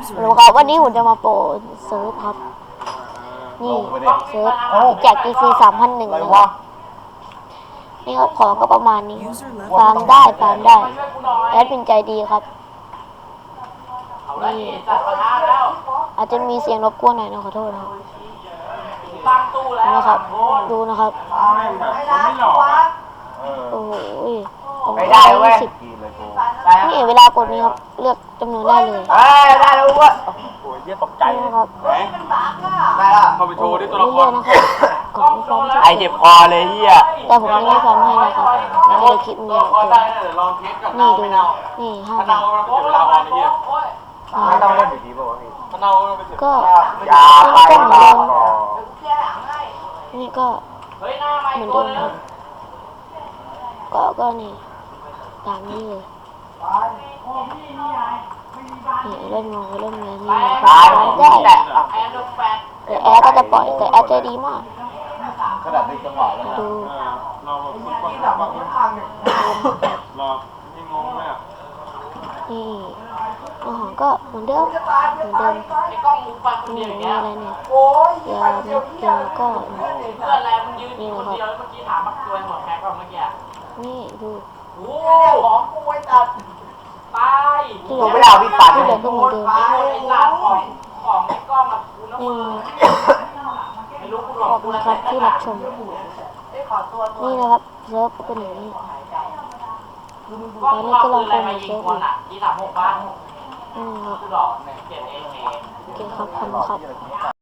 รู้ครับวันนี้ผมจะมาโปรเซิร์ฟครับ นี่เซิร์ฟแจก GC 3,100นะครับนี่ครับของก็ประมาณนี้ฟาร์มได้แอดเป็นใจดีครับนี่อาจจะมีเสียงรบกวนหน่อยนะขอโทษนะครับนะครับดูนะครับโอ้โหไม่ได้เว้ยนี่เวลากดนี้ครับเลือกจำนวนได้เลยได้แล้ววะโอ้ยเยี่ยตกใจนะครับได้แล้วเข้าไปโชว์ที่ตัวละครนะครับกดฟอร์มไอเจ็บคอเลยเฮียแต่ผมยังไม่ฟอร์มให้นะครับแล้วให้คลิปนี้นี่ดูนี่5 บาทไม่ต้องเล่นดีๆป่าวพี่ก็อย่าไปต่อนี่ก็เหมือนเดิมครับก็นี่ตามนี้เลยนี่เล่นมองเล่นเงินนี่ได้แต่แอร์ก็จะปล่อยแต่แอร์ใจดีมากขนาดในจังหวะแล้วดูนี่อาหารก็เหมือนเดิมนี่มีอะไรเนี่ยยาเม็ดเกลือก็นี่นะครับนี่ดูดูไม่ได้พี่ปันที่เหลือก็เหมือนเดิมนี่ขอบคุณครับที่รับชมนี่นะครับเซิร์ฟเป็นอย่างนี้ตอนนี้ก็ลองโปรโมทเซิร์ฟอยู่นี่ครับโอเคครับขอบคุณครับ